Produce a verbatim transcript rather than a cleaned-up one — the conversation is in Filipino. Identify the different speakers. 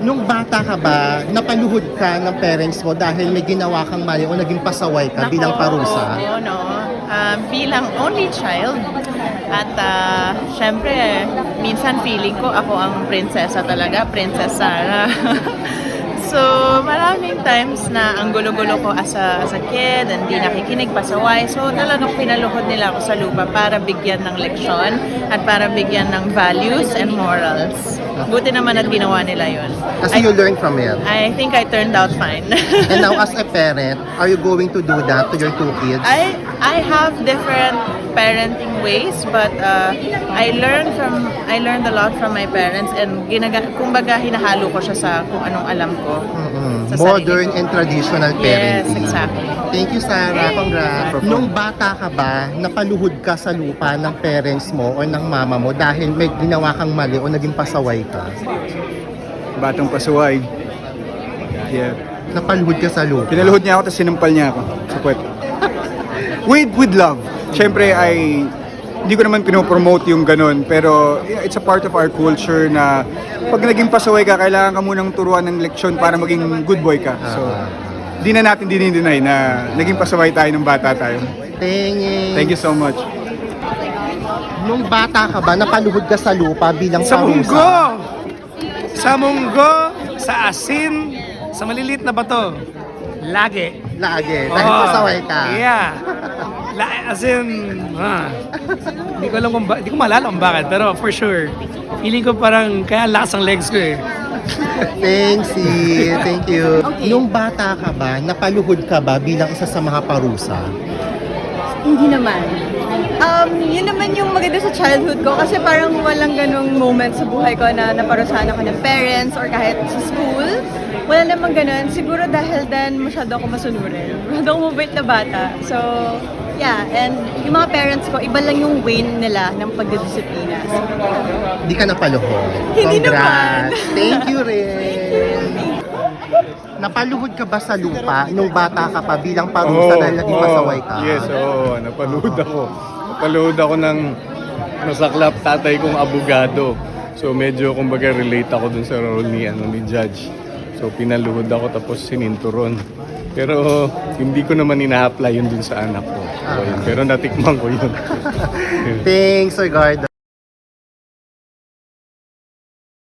Speaker 1: Nung bata ka ba, napaluhod ka ng parents mo dahil may ginawa kang mali o naging pasaway ka
Speaker 2: Nako,
Speaker 1: bilang parusa?
Speaker 2: Oo, no. Ah, bilang only child. At ah, syempre, minsan feeling ko ako ang prinsesa talaga, Princess Sarah. So, maraming times na ang gulo-gulo ko as a, as a kid, hindi nakikinig, pasaway. So, talagang pinaluhod nila ako sa lupa para bigyan ng leksyon at para bigyan ng values and morals. Buti naman at ginawa nila yun.
Speaker 1: Kasi you learn from it.
Speaker 2: I think I turned out fine.
Speaker 1: And now as a parent, are you going to do that to your two kids?
Speaker 2: I I have different parenting ways, but uh, I learned from I learned a lot from my parents, and ginaga kumbaga hinahalo ko siya sa kung anong alam ko.
Speaker 1: Mm-mm.
Speaker 2: Sa
Speaker 1: Modern
Speaker 2: sarili ko.
Speaker 1: and traditional
Speaker 2: Yes,
Speaker 1: parenting.
Speaker 2: exactly.
Speaker 1: Thank you, Sarah. Congrats. Nung bata ka ba, napaluhod ka sa lupa ng parents mo o ng mama mo dahil may ginawa kang mali o naging pasaway ka?
Speaker 3: Batang pasuway. Yeah.
Speaker 1: Napaluhod ka sa lupa?
Speaker 3: Pinaluhod niya ako tapos sinampal niya ako sa puwet. With, with love. Siyempre ay hindi ko naman pinopromote yung ganun, pero yeah, it's a part of our culture na pag naging pasaway ka, kailangan ka munang turuan ng leksyon para maging good boy ka. So, di na natin dinideny na naging pasaway tayo nung bata tayo.
Speaker 1: Thank
Speaker 3: Thank you so much.
Speaker 1: Nung bata ka ba, napaluhod ka sa lupa bilang
Speaker 4: Sa
Speaker 1: parusa?
Speaker 4: munggo! Sa munggo, sa asin, sa maliliit na bato. Lagi.
Speaker 1: Lagi, dahil
Speaker 4: Oo.
Speaker 1: pasaway ka.
Speaker 4: Yeah. La, as in, ah, hindi ko alam kung ba, hindi ko maalala kung bakit, pero for sure, feeling ko parang kaya lakas ang legs ko eh.
Speaker 1: Thanks, si. Thank you.
Speaker 5: Okay.
Speaker 1: Nung bata ka ba, napaluhod ka ba bilang isa sa mga parusa?
Speaker 5: Hindi naman. Um, yun naman yung maganda sa childhood ko kasi parang walang ganong moment sa buhay ko na naparusahan ako ng parents or kahit sa school. Wala namang ganun. Siguro dahil then masyado ako masunurin. Masyado ako mabait na bata. So, yeah. And yung mga parents ko, iba lang yung way nila ng pagdidisiplina. So,
Speaker 1: Hindi ka napaluhod.
Speaker 5: Hindi
Speaker 1: Congrats.
Speaker 5: naman.
Speaker 1: Thank you rin. Napaluhod ka ba sa lupa nung bata ka pa bilang parusa dahil naging pasaway ka?
Speaker 3: Yes, oo. Napaluhod ako. Napaluhod ako ng masaklap tatay kong abogado. So medyo kumbaga relate ako dun sa role ni, ano, ni Judge. So pinaluhod ako tapos sininturon. Pero hindi ko naman ina-apply yun dun sa anak ko. So, yun. Pero natikman ko yun.
Speaker 1: Thanks, Sir Gardo.